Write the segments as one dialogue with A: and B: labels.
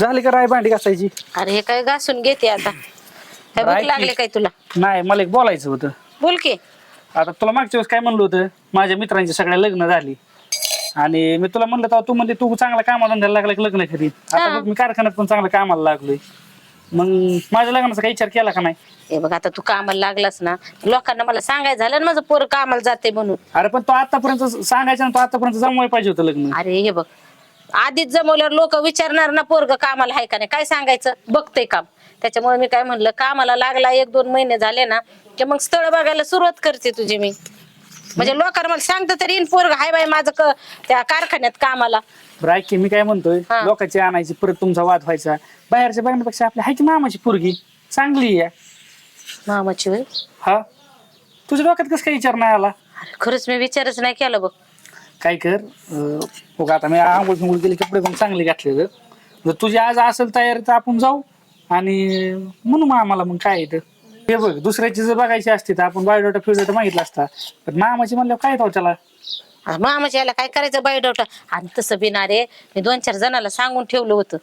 A: झाली का राय भांडी घासायची?
B: अरे हे काय घासून घेते आता. काय भूक लागले काय तुला?
A: नाही, मला एक बोलायचं होतं.
B: बोल की.
A: आता तुला मागच्या वेळेस काय म्हणलं होतं, माझ्या मित्रांची सगळ्या लग्न झाली आणि मी तुला म्हणलं तेव्हा तू म्हणते तू चांगला कामाला धंद्याला लागला की लग्न करीत. आता
B: हा.
A: बघ मी कारखान्यात पण चांगला कामाला लागलोय. मग माझ्या लग्नाचा काही विचार केला का नाही?
B: हे बघ आता तू कामाला लागलास ना, लोकांना मला सांगायचं झालं ना माझं पोर कामाला जाते म्हणून.
A: अरे पण तो आतापर्यंत सांगायचं ना, तो आतापर्यंत जमवाय पाहिजे होतं लग्न.
B: अरे हे बघ, आधीच जमवल्यावर लोक विचारणार ना पोरग कामाला आहे का नाही, काय सांगायचं बघते काम. त्याच्यामुळे मी काय म्हणलं, कामाला लागला 1-2 महिने झाले ना की मग स्थळ बघायला सुरुवात करते तुझी मी. म्हणजे लोकांना मला सांगतं तरी इन पोरग हाय बाई माझं त्या कारखान्यात कामाला.
A: बरं ऐक की, मी काय म्हणतोय,
B: हा.
A: लोकांची आणायची परत तुमचा वाद व्हायचा. बाहेरच्या बघण्यापेक्षा आपली हाय की मामाची पोरगी चांगली आहे.
B: मामाची होय?
A: हा, तुझ्या डोक्यात कसं काही विचार नाही आला?
B: अरे खरंच मी विचारच नाही केला बघ.
A: काय कर, बघ आता मी आंघोळ फिंगोळ केली, कपडे पण चांगले घातले. जर तुझी आज असेल तयारी तर आपण जाऊ आणि म्हणू मामाला. मग काय येतं हे बघ, दुसऱ्याची जर बघायची असती तर आपण बायोडाटा फिडोटा मागितला असता, पण मामाची म्हणल्यावर काय त्याला.
B: अरे मामाच्या याला काय करायचं बायोडाटा? आणि तसं बिना रे, मी 2-4 जणाला सांगून ठेवलं होतं.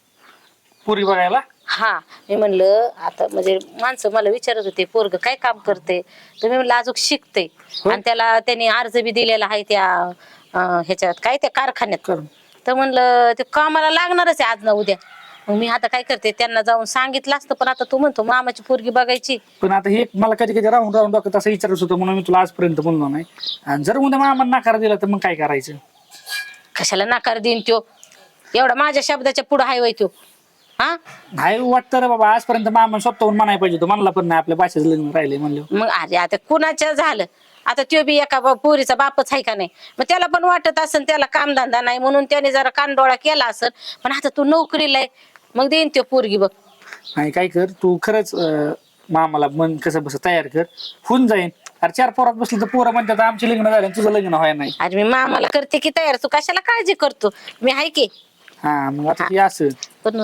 A: पुरी बघायला?
B: हा, मी म्हणलं आता म्हणजे माणसं मला विचारत होते पोरग काय काम करते, तर मी म्हणलं अजून शिकते. आणि त्याला त्यांनी अर्ज बी दिलेला आहे त्या ह्याच्यात काय त्या कारखान्यात. तर म्हणलं ते कामाला लागणारच आहे आज ना उद्या. मग मी आता काय करते, त्यांना जाऊन सांगितलं असतं, पण आता तू म्हणतो मामाची पोरगी बघायची.
A: पण आता हे मला कधी कधी राहून राहून डोक्यात असं विचारत होतं, म्हणून मी तुला आजपर्यंत बोललो नाही. आणि जर उद्या मामा नकार दिला तर मग काय करायचं?
B: कशाला नकार देईन त्यो? एवढा माझ्या शब्दाच्या पुढे हाय वय त्यो. हा,
A: नाही वाटतं रे बाबा, आजपर्यंत मामा स्वतःहून म्हणाय पाहिजे होतं. म्हणला पण नाही, आपल्या भाषेचं लग्न राहिले म्हणलं.
B: मग अरे आता कुणाच्या झालं, आता त्यो बी एका पोरीचा बापच आहे का नाही. मग त्याला पण वाटत असेल त्याला कामधंदा नाही म्हणून त्याने जरा कानडोळा केला असेल. पण आता तू नोकरीला आहे, मग देईन त्यो पोरगी बघ.
A: नाही काय कर तू, खरंच मामाला मन कसं बस तयार कर, होऊन जाईन. अरे 4 पोरात बसली तर पोरं म्हणतात आमचे लग्न झाले तुझं लग्न व्हाय नाही.
B: अरे मी मामाला करते की तयार, तू कशाला काळजी करतो, मी आहे की.
A: हा, मग आता हे असं
B: पण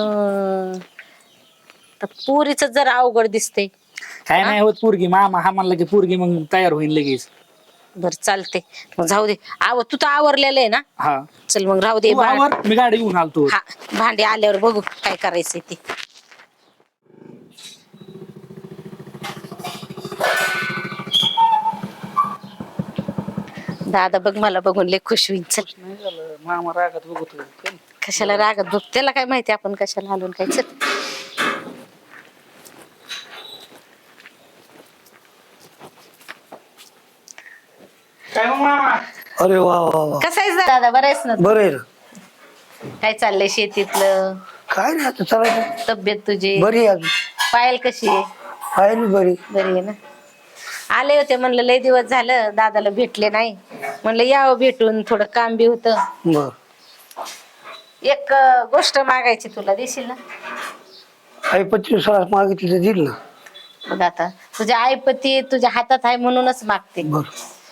B: पोरीच जरा अवघड दिसते.
A: काय नाही होत. पोरगी मामा हा म्हणला की पोरगी मग तयार होईल लगेच.
B: बर चालते, मग जाऊ दे. तू तर आवरलेलं आहे ना?
A: हा,
B: चल मग राहू दे.
A: तू आवर, मी गाडी घेऊन आलतो.
B: हा, भांडे आल्यावर बघू काय करायचंय ते. दादा बघ मला बघून लय खुश होईल. चल,
A: नाही झालं, मामा रागात बघतो.
B: कशाला रागत बघ, त्याला काय माहिती आपण कशाला आलो काय. चल
A: काय मग मामा?
C: अरे वा वा वा,
B: कसं आहेस दादा? बरं आहेस ना?
C: बरं आहे ना.
B: काय चाललंय शेतीतलं?
C: काय नाही आता चालायचं.
B: तब्येत तुझी
C: बरी आहे अजून.
B: पायल कशी आहे?
C: आहे ना बरी.
B: बरी आहे ना? आले होते म्हणलं लय दिवस झालं दादाला भेटले नाही, म्हणलं यावं भेटून, थोडं काम बी होतं.
C: बर,
B: एक गोष्ट मागायची तुला, देशील ना?
C: आई 25 मागितली तर दिल ना.
B: बघ आता तुझ्या आईपती तुझ्या हातात आहे म्हणूनच मागते.
C: बर,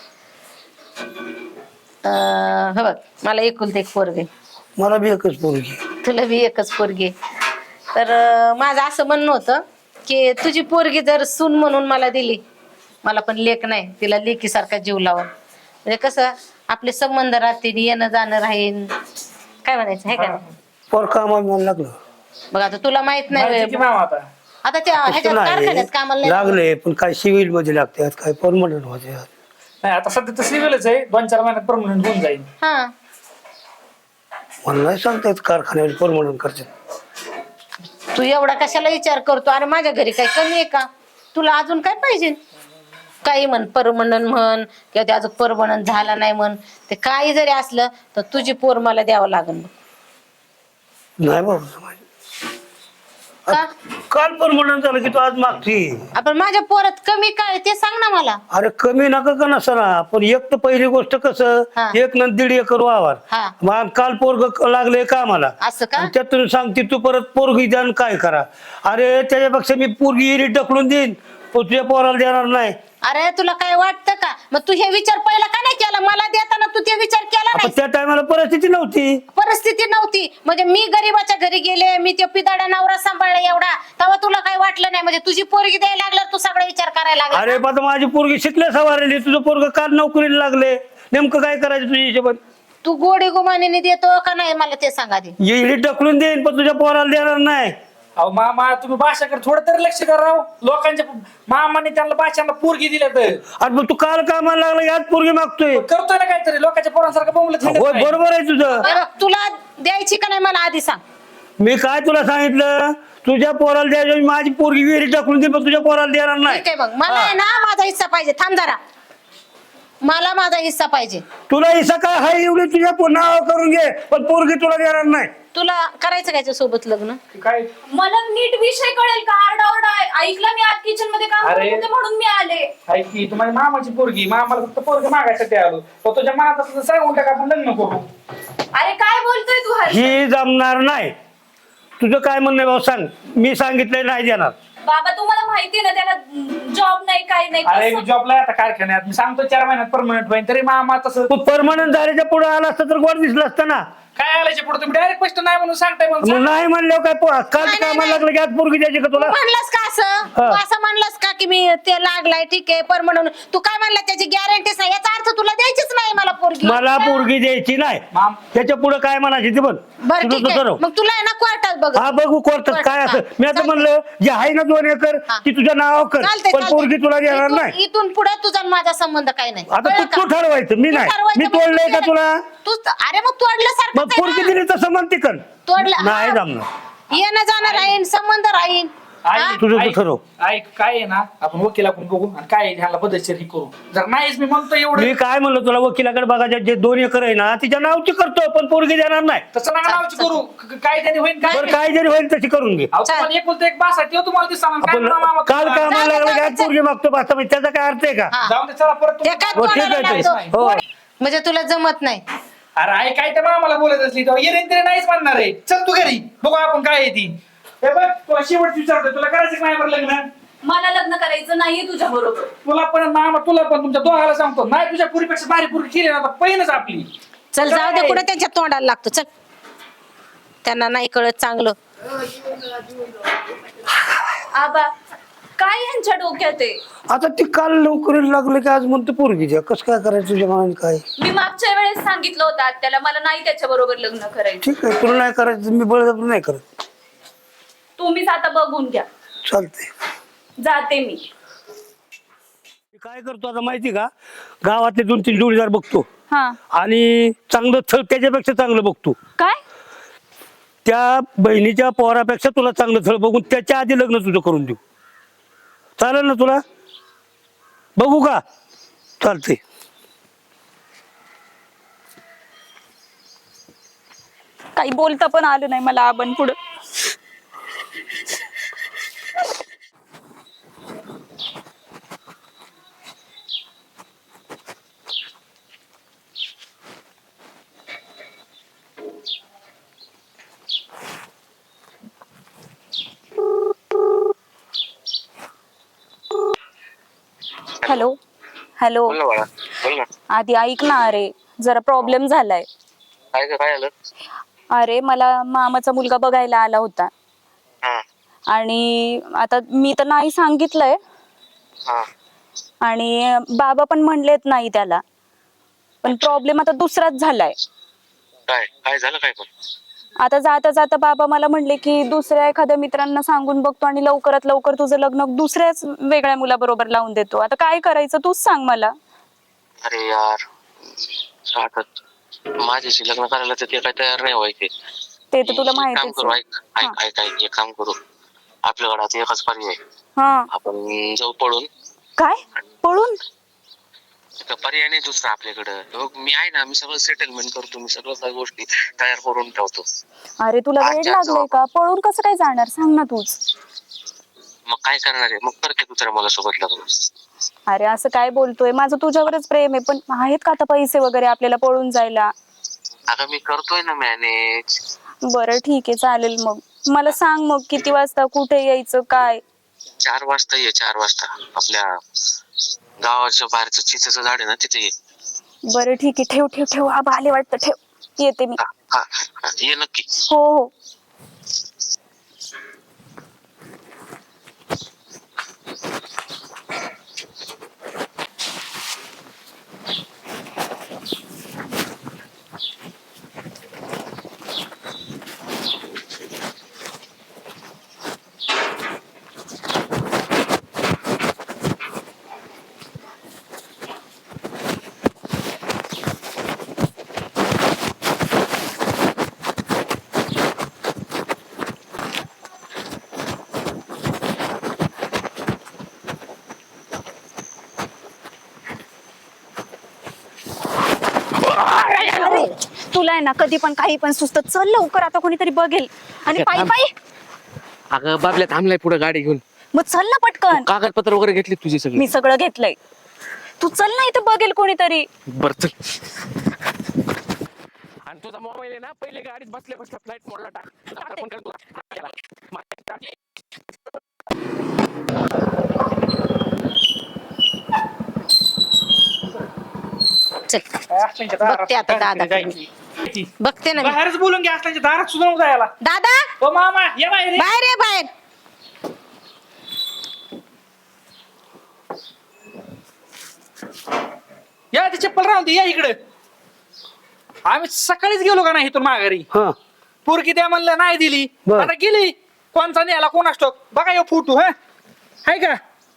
B: हे बघ, मला एकुलते एक पोरगे,
C: मला बी एकच पोरगी.
B: तुला बी एकच पोरगी. तर माझं असं म्हणणं होतं की तुझी पोरगी जर सून म्हणून मला दिली, मला पण लेक नाही, तिला लेकीसारखा जीव लावून, म्हणजे कसं आपले संबंध राहतील, येणं जाणं राहील. काय म्हणायचं आहे का?
C: पर कामाला मला लागलं.
B: बघ आता तुला माहित नाही
A: माहिती की मामा आता
B: आता त्या ह्याच्यात कारखान्यात कामाला नाही
C: लागले, पण काय सिव्हिल मध्ये लागते, काय परमनंट होते.
A: नाही, आता सध्या तर सिव्हिलच आहे. 2-4 महिन्यात परमनंट होऊन जाईल.
B: हा,
C: मला नाही सांगतायत कारखान्यात परमनंट करतात.
B: तू एवढा कशाला विचार करतो? अरे माझ्या घरी काही कमी आहे का? तुला अजून काय पाहिजे? काही म्हण, परमनंट म्हण किंवा ते अजून परमनंट झाला नाही म्हण, ते काही जरी असलं तर तुझी पोर मला द्यावं लागेल.
C: नाही बाबा,
B: का?
C: काल परमनंट झालं की तू आज मागती.
B: आपण माझ्या पोरात कमी काय ते सांग ना मला.
C: अरे कमी नका का नसना, पण एक तर पहिली गोष्ट कसं,
B: हा.
C: 1 न 1.5 एकर वावर.
B: हा.
C: मग काल पोरग लागले कामाला,
B: असं का?
C: आणि त्यातून सांगते तू परत पोरगी द्या आणि काय करा. अरे त्याच्यापेक्षा मी पोरगी इरी ढकलून देईन, पण तुझ्या पोराला देणार नाही.
B: अरे तुला काय वाटतं का? मग तू हे विचार पहिला का नाही केला? मला देताना तू ते विचार केला
C: आपण
B: नाही.
C: त्या टायमाला परिस्थिती नव्हती.
B: परिस्थिती नव्हती म्हणजे मी गरीबाच्या घरी गेले, मी ते पिदाडा नवरा सांभाळला एवढा, तेव्हा तुला काय वाटलं नाही? म्हणजे तुझी पोरगी द्यायला लागल्यावर तू सगळा विचार करायला लागला.
C: अरे पण माझी पोरगी शिकल्या सवारली, तुझं पोरग काल नोकरीला लागले, नेमकं काय करायचं तुझ्या हिशोबात?
B: तू गोडी गुमानीने देतो का नाही मला ते सांगा आधी.
C: इडी ढकलून देईन पण तुझ्या पोराला देणार नाही.
A: अहो मामा तुम्ही भाषाकडे थोडं तरी लक्ष करा राव. लोकांच्या मामाने त्यांना भाषांना पोरगी दिल्या तर
C: अरे मग तू काल कामाला लागला यात पोरगी मागतोय.
A: करतोय ना काहीतरी लोकांच्या पोरांसारखं बोंबलत हिंडत
C: होय
A: नाही.
C: बरोबर आहे तुझं.
B: बरं, तुला द्यायची का नाही मला आधी सांग.
C: मी काय तुला सांगितलं तुझ्या पोराला द्यायचं माझी पोरगी विहिरी टाकून दे पण तुझ्या पोराला देणार नाही.
B: ठीक आहे मग मला आहे ना माझा हिस्सा पाहिजे. थांब जरा, मला माझा हिस्सा पाहिजे.
C: तुला हिस्सा काय हाय एवढी तुझ्या नाव करून घे पण पोरगी तुला देणार नाही.
B: तुला करायचं काय सोबत लग्न?
A: काय
D: मला नीट विषय कळेल का? आरडाओरडा ऐकलं मी आज किचन मध्ये काम
A: अरे.
D: करत होते म्हणून मी आले.
A: ऐक की तुम्हाला मामाची पोरगी मामाला फक्त पोरगी मागायसाठी आलो. पण तुझ्या मनात असं तर सांगून टाका आपण लग्न करू.
D: अरे काय बोलतोय तू हर्ष?
C: ही जमणार नाही. तुझं काय म्हणणं आहे भाऊ सांग. मी सांगितलंय नाही देणार.
D: बाबा तुम्हाला माहिती ना त्याला जॉब नाही काय नाही
A: अरे मी
D: कसं-
A: जॉबला आता कारखान्यात मी सांगतो 4 महिन्यात परमनंट होईल तरी मामा तसं
C: तू परमनंट झाल्याच्या पुढे आला असतं तर गोड दिसलं असतं ना.
A: काय आल्याच्या पुढे तुम्ही डायरेक्ट स्पष्ट नाही म्हणून सांगताय
C: मग
A: म्हणून
C: नाही म्हणल्यावर काय काल
B: नाही,
C: कामाला
B: नाही.
C: लागलं की आज पोरगी द्यायची का तुला.
B: म्हणलास का असं? तू असं म्हणलास का की मी ते लागलाय ठीक आहे पर म्हणून तू काय म्हणला त्याची गॅरंटीच नाही याचा अर्थ तुला द्यायचीच नाही मला पोरगी.
C: मला पोरगी द्यायची नाही.
A: माम
C: त्याच्या पुढे काय म्हणायची ते पण
B: बरं
C: तुझं
B: ठीक
C: तू
B: आहे
C: ठरव.
B: मग तुला आहे ना कोर्टात बघ.
C: हा बघू कोर्टात काय असं. मी आता
B: चालतंय.
C: म्हणलं जे आहे ना 2 एकर
B: हा.
C: ती तुझ्या नावावर कर
B: चालतंय,
C: पण
B: चालतंय.
C: पोरगी तुला देणार नाही.
B: इथून पुढे तुझा आणि माझा संबंध काही नाही.
C: आता
B: कळलं
C: तू
B: का?
C: ठरवायचं मी
B: तू
C: नाही.
B: ठरवायचं
C: मी
B: मग
C: तोडलंय
B: तू
C: का
B: केलं.
C: तुला.
B: अरे मग तोडल्यासारखं
C: मग पोरगी दिली तसं म्हणते कर.
B: तोडलं
C: नाही
B: हा.
C: जमणार.
B: येणं जाणं राहीन संबंध राहीन. हा?
C: तुझं तू ठरव.
A: ऐक काय आहे ना आपण वकिलाकडून बघू आणि काय आहे ह्याला पद्धतशीर ही करू. जर नाहीच मी म्हणतो एवढं
C: मी काय म्हणलं तुला वकिलाकडे बघायचे जे 2 एकर आहे ना तिच्या नावची करतो पण पोरगी देणार नाही.
A: तसं नका नावची करू काय त्याने होईल काय
C: बरं काय जरी होईल तशी करून घे.
A: अहो, तुम्हाला एकुलता एक बासा ठेव तुम्हाला दिसणार काय
C: आपण
A: म्हणा मामा
C: काल
A: तुम्हाला?
C: कामाला लागलं की आज
B: चल.
C: पोरगी मागतो बसता म्हणजे त्याचा काय अर्थ आहे का.
B: हा.
A: जाऊन दे चला परत
B: ते काय
A: तुम्ही-
C: हो, ठीक
B: तोडायला
C: आहे
B: लागतो?
C: हो.
B: म्हणजे तुला जमत नाही.
A: अरे आई काय तर मामाला बोलत असली तेव्हा येईन तरी नाहीच म्हणणार आहे. चल तू घरी बघू आपण काय आहे ती. हे बघ तुला शेवट विचारतोय तुला करायचं का नाही बरं लग्न.
D: मला लग्न करायचं नाहीये तुझ्या बरोबर.
A: तुला पण मामा तुला पण तुमच्या दोघाला सांगतो नाही तुझ्या पुरीपेक्षा भारी पुरी केली ना आता पहिलंच आपली.
B: चल जाऊ दे
A: काय?
B: कुठे त्यांच्या तोंडाला लागतो. चल त्यांना नाही कळत चांगलं.
D: आबा काय यांच्या डोक्यात आहे?
C: आता ती काल नोकरीला लागले की आज म्हणतो पोरगी द्या. कसं काय करायचं तुझ्या मनाने काय.
D: मी मागच्या वेळेस सांगितलं होतं त्याला मला नाही त्याच्या बरोबर लग्न करायचं.
C: ठीक आहे तुला नाही करायचं मी बळजबरी नाही करत.
D: तुम्हीच आता बघून घ्या.
C: चालते.
D: जाते मी.
C: मी काय करतो आता माहिती का गावातले 2-3 जोडीदार बघतो
D: हा
C: आणि चांगलं थळ त्याच्यापेक्षा चांगलं बघतो.
D: काय?
C: त्या बहिणीच्या पोरापेक्षा तुला चांगलं थळ बघून त्याच्या आधी लग्न तुझं करून देऊ. चालेल ना तुला. बघू का. चालते.
D: काही बोलता पण आलं नाही मला आपण पुढं. हॅलो हॅलो
E: बोल ना बाळा बोल ना.
D: आधी ऐक ना. अरे जरा प्रॉब्लेम झालाय.
E: काय आलं.
D: अरे मला मामाचा मुलगा बघायला आला होता
E: हा
D: आणि आता मी तर नाही सांगितलंय
E: हा
D: आणि बाबा पण म्हणलेत नाही त्याला. पण प्रॉब्लेम आता दुसराच झालाय.
E: काय काय झालं काय पण.
D: आता जाता जाता बाबा मला म्हणले की दुसऱ्या एखाद्या मित्रांना सांगून बघतो आणि लवकरात लवकर तुझं लग्न दुसऱ्याच वेगळ्या मुलाबरोबर लावून देतो. आता काय करायचं तूच सांग मला.
E: अरे यार आता माझ्याशी लग्न करायला तर ते काय तयार नाही व्हायचे.
D: ते तर तुला
E: एक काम
D: माहितीच
E: करू
D: आहे.
E: ऐक एक काम करू. आपल्या घरात एकच पर्याय आहे.
D: हा
E: आपण जाऊ पळून.
D: काय पळून?
E: पर्याय नाही दुसरा आपल्याकडं. बघ, मी आहे ना मी सगळं सेटलमेंट करतो. मी सगळं काही गोष्टी तयार करून ठेवतो.
D: अरे तुला वेळ
E: अच्छा,
D: लागलाय का? पळून कसं काय जाणार सांग ना तूच.
E: मग काय करणार आहे. मग करते दुसऱ्या मला सोबत लग्न.
D: अरे असं काय बोलतोय? माझं तुझ्यावरच प्रेम आहे. पण आहेत का आता पैसे वगैरे आपल्याला पळून जायला?
E: अगं मी करतोय ना मॅनेज.
D: बरं ठीक आहे चालेल. मग मला सांग मग किती वाजता कुठे यायचं काय.
E: 4 वाजता ये. 4 वाजता आपल्या गावाच्या बाहेरचं चिचेचं झाड आहे ना तिथे ये.
D: बरं ठीक आहे. ठेव ठेव ठेव. आबा आले वाटतं. ठेव येते मी.
E: हा ये नक्की.
D: हो हो.
B: बाहेर.
D: तुला आहे ना कधी पण काही पण सुचत. चल लवकर, आता कोणीतरी बघेल. आणि
E: अगं,
D: पायी
E: थांब.
D: पायी
E: अगं बाबल्या थांबलाय पुढे गाडी घेऊन.
D: मग चल ना पटकन.
E: कागदपत्र वगैरे घेतली तुझी सगळी?
D: मी सगळं घेतलंय. तू चल ना, इथं बघेल कोणीतरी.
E: बर चल. आणि तुझा मोबाईल आहे ना पहिले गाडीत बसल्या बसल्या फ्लाईट मोडला टाक. आता फोन कर तुला.
B: चल बघते आता दादा. बघते ना मी.
A: बाहेरच बोलून घ्या, असल्याच्या दारात सुद्धा नव्हता याला.
B: दादा
A: ओ मामा या बाहेर ये.
B: बाहेर ये बाहेर.
A: या ती चप्पल राहून दे, या इकडे. आम्ही सकाळीच गेलो का नाही इथून माघारी.
C: हा
A: पोरगी द्या म्हणलं नाही दिली.
C: बर.
A: आता गेली. कोणचा न्यायला कोण असतो बघा यो फोटो. हाय का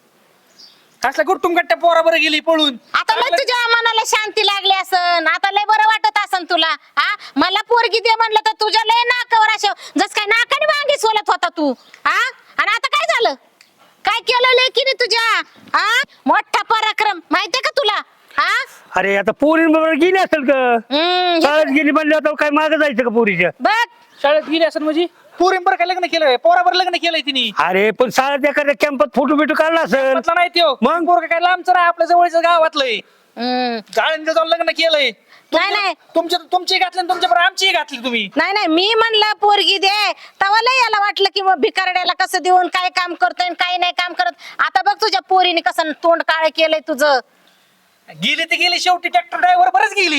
A: असला गुट्टुम गट्ट्या पोराबर गेली पळून.
B: आता लय तुझ्या मनाला शांती लागली असन. आता लय बरं वाटत असन तुला. हा मला पोरगी दे म्हणलं तर तुझ्या लय नाकावर असं जस काय नाकाने वांगी सोलत होता तू. हा आणि आता काय झालं? काय केलं लेकीने तुझ्या? हा मोठा पराक्रम माहितीये का तुला? हा
C: अरे आता पोरींबरोबर गेली असेल का?
B: हम्म,
C: शाळेत गेली म्हणले आता काय मागे जायचं का पोरीच्या?
B: बघ
A: शाळेत गेली असं म्हणजे पोरींबर काय लग्न केलंय? पोराबर लग्न केलंय तिने.
C: अरे पण शाळेत एखाद्या कॅम्पात फोटो बिटो काढला असेल.
A: म्हटलं नाही त्यो
C: मग?
A: पोरग काय लांबचं नाही, आपल्या जवळच्या गावातलंय.
B: हम्म.
A: जाळींचं जाऊन लग्न केलंय.
B: नाही नाही
A: तुमची घातली आणि तुमच्या बरोबर आमची घातली तुम्ही.
B: नाही नाही मी म्हणलं पोरगी दे तेव्हा लय याला वाटलं की मग भिकारड्याला कसं देऊन काय काम करतोय आणि काय नाही काम करत. आता बघ तुझ्या पोरीने कसं तोंड काळ केलंय तुझं.
A: गेली ती गेली, शेवटी ट्रॅक्टर ड्रायव्हर बरच गेली.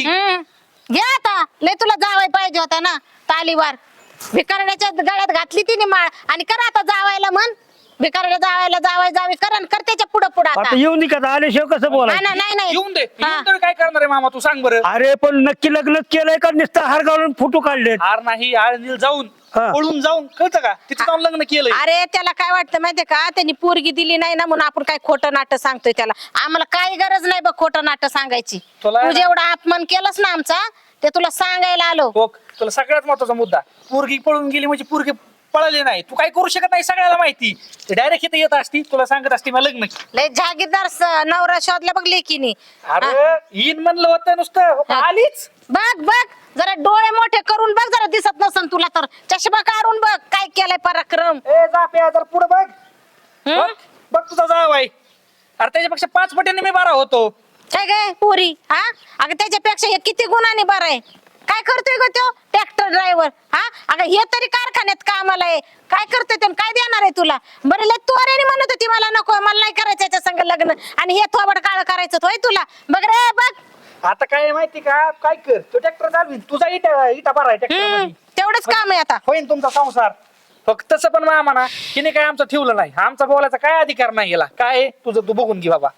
B: घे आता लय तुला जावाय पाहिजे होता ना तालीवार. भिकारड्याच्या गळ्यात घातली तिने माळ आणि करा आता जावायला म्हण. भिकारड्या जावायला जावाय जावी करण कर त्याच्या पुढं पुढं आता.
C: आता येऊन दे का? आल्याशिवाय कसं बोला?
B: नाही नाही नाही
A: येऊन दे.
B: हा.
A: येऊन दे, काय करणार आहे मामा तू सांग बरं.
C: अरे पण नक्की लग्न केलंय का नुसतं हार घालून फोटो काढलेत?
A: हार नाही, आळंदीला जाऊन
C: हा.
A: पळून जाऊन कळतं का तिथे जाऊन लग्न केलंय.
B: अरे त्याला काय वाटतं माहितीये का? त्यांनी पोरगी दिली नाही ना म्हणून आपण काय खोटं नाटक सांगतोय त्याला. आम्हाला काही गरज नाही बघ खोटं नाटक सांगायची.
A: तुला
B: तू जेवढा अपमान केलास ना आमचा ते तुला सांगायला आलो.
A: हो, तुला सगळ्यात महत्वाचा मुद्दा, पोरगी पळून गेली म्हणजे पोरगी पळाली नाही. तू काय करू शकत नाही सगळ्याला माहिती. डायरेक्ट इथे येत असती, तुला सांगत असती मला लग्न केलं.
B: लय जागीरदार नवरा शोधला बघ लेकीनी.
A: अरे येईन म्हणलं होतं नुसतं, हो का,
B: हा.
A: आलीच.
B: बघ बघ जरा डोळे मोठे करून बघ जरा दिसत नसन तुला तर चष्मा काढून बघ काय केलंय पराक्रम.
A: ए जा पे जर पुढे बघ.
B: हम्म?
A: बघ, बघ तुझा जाव आहे. अरे त्याच्यापेक्षा 5 पटीने मी बारा होतो.
B: काय काय पुरी हा अगं त्याच्यापेक्षा हे किती गुणाने बरं आहे. काय करतोय ग तो ट्रॅक्टर ड्रायव्हर? हा अगं हे तरी कारखान्यात कामाला आहे. काय करतोय तो काय देणार आहे तुला? बरं लय तोऱ्याने म्हणत होती मला नको मला नाही करायचं याच्या संग लग्न आणि हे थोबड काळ करायचं होय तुला. बघ रे बघ.
A: आता काय आहे माहिती का, काय कर तो ट्रॅक्टर चालवीन, तुझा इटा बारा आहे ट्रॅक्टर.
B: तेवढंच काम आहे आता.
A: होईन तुमचा संसार. फक्त तसं पण मामा ना तिने काय आमचं ठेवलं नाही. आमचा बोलायचा काय अधिकार नाही गेला. काय आहे तुझं तू बघून घे बाबा.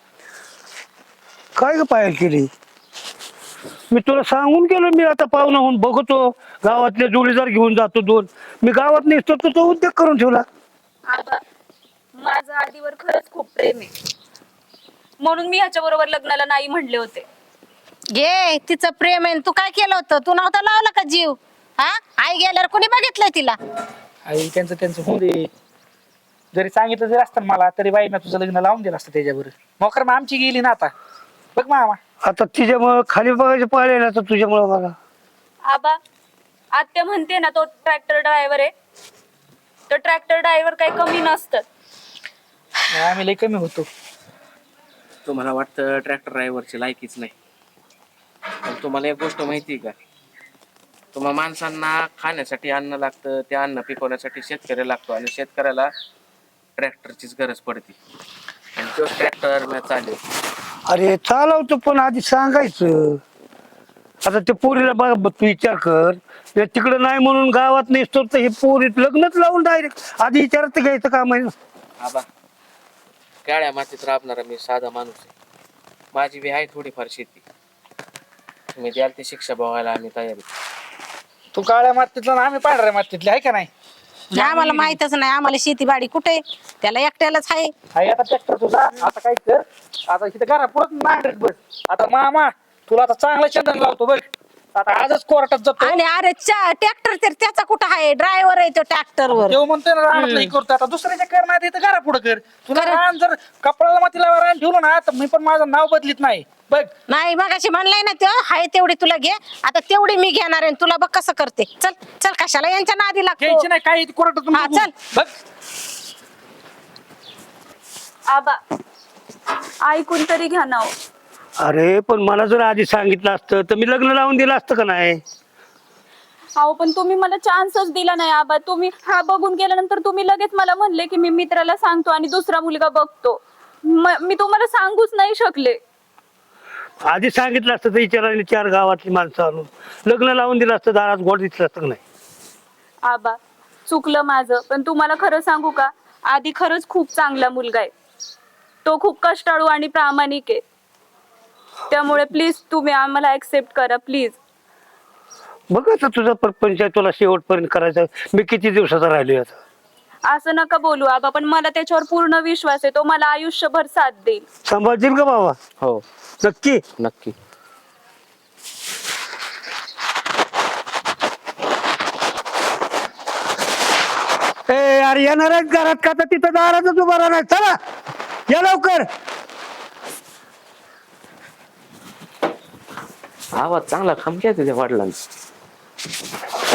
C: काय ग पायल केली? मी तुला सांगून गेलो मी आता पाहुणा होऊन बघतो गावातले जोडीदार घेऊन जातो 2. मी गावात नसतो तर तो उद्योग करून ठेवला.
D: आबा, माझं आधीवर खरंच खूप प्रेम आहे म्हणून मी ह्याच्या बरोबर लग्नाला नाही म्हणले होते.
B: घे तिचं प्रेम आहे. तू काय केलं होतं? तू नव्हता लावला का जीव? हा आई गेल्यावर कोणी बघितलंय तिला?
A: आई त्यांचं होऊ दे. जरी सांगितलं जरी असतं मला तरी बाई मी तुझं लग्न लावून दिलं असतं त्याच्याबरोबर. मोकर मग आमची गेली ना आता. बघ मामा
C: आता तिच्यामुळं खाली बघायचे पाहिले ना तर तुझ्यामुळं मला.
D: आबा, आत्या म्हणते ना तो ट्रॅक्टर ड्रायव्हर आहे. तर ट्रॅक्टर ड्रायव्हर काही कमी नसतात.
A: आम्ही लय कमी होतो.
E: तुम्हाला वाटतं ट्रॅक्टर ड्रायव्हरची लायकीच नाही. पण तुम्हाला एक गोष्ट माहिती आहे का? तुम्हा माणसांना खाण्यासाठी अन्न लागतं. ते अन्न पिकवण्यासाठी शेतकरी लागतो आणि शेतकऱ्याला ट्रॅक्टरचीच गरज पडते. आणि तो ट्रॅक्टर मी चालेल.
C: अरे चालवतो पण आधी सांगायचं. आता ते पोरीला बघ तू विचार कर. तिकडं नाही म्हणून गावात नसतो तर हे पोरी लग्नच लावून डायरेक्ट आधी विचारत घ्यायचं काम आहे ना.
E: आबा काळ्या मातीत राबणारा मी साधा माणूस आहे. माझी बी आहे थोडीफार शेती. तुम्ही द्याल ती शिक्षा बघायला आम्ही तयारी.
A: तू काळ्या मातीतला ना आम्ही पांढऱ्या मातीतले आहे का नाही.
B: आम्हाला माहितच नाही. आम्हाला शेतीबाडी कुठे त्याला एकट्यालाच आहे.
A: आहे आता ट्रॅक्टर तुझा. आता काय कर, आता इथे घरा पुरत नांगरत बस. आता मामा तुला आता चांगलं चंदन लावतो बघ. आता आजच कोर्टात जातो.
B: आणि अरे ट्रॅक्टर तर त्याचा कुठं आहे? ड्रायव्हर आहे तो ट्रॅक्टर वर.
A: देव म्हणतोय ना रानातलं हे करतो. आता दुसऱ्याच्या कर नाही तर घरा पुढे कर. तुला रान जर कपडाला मातीला रान ठेवलं ना तर मी पण माझं नाव बदलीत नाही. बघ
B: नाही मगाशी म्हणलंय ना ते हाय तेवढी तुला घे, आता तेवढी मी घेणार आहे. तुला बघ कसं करते. चल चल, कशाला यांच्या नादी लागतो.
A: घ्यायची नाही काय कोर्टातून
B: हा,
A: बघू.
B: चल.
A: बघ
D: आबा ऐकून तरी घ्या ना हो.
C: अरे पण मला जर आधी सांगितलं असतं तर मी लग्न लावून दिलं असतं का नाही?
D: अहो पण तुम्ही मला चान्सच दिला नाही आबा. तुम्ही हा बघून गेल्यानंतर तुम्ही लगेच मला म्हणले की मी मित्राला सांगतो आणि दुसरा मुलगा बघतो. मी तुम्हाला सांगूच नाही शकले.
C: आधी सांगितलं असतं तर विचारायला 4 गावातली माणसं आणून लग्न लावून दिलं असतं, दारात गोड दिसलं असतं का नाही?
D: आबा चुकलं माझं, पण तुम्हाला खरं सांगू का, आधी खरंच खूप चांगला मुलगा आहे. तो खूप कष्टाळू आणि प्रामाणिक आहे. त्यामुळे प्लीज तुम्ही आम्हाला ऍक्सेप्ट करा प्लीज.
C: बघ आता तुझा परपंच आहे, तुला शेवटपर्यंत करायचं. मी किती दिवसाचा राहिलोय आता.
D: असं नका बोलू आबा, पण मला त्याच्यावर पूर्ण विश्वास आहे. तो मला आयुष्यभर साथ देईल.
C: सांभाळशील का बाबा?
E: हो
C: नक्की.
E: नक्की.
C: ए अरे येणार आहेत घरात का? तर तिथं दारातच उभा राहणार. चला या लवकर.
E: आवाज चांगला खमक्या तुझ्या वडिलांचा.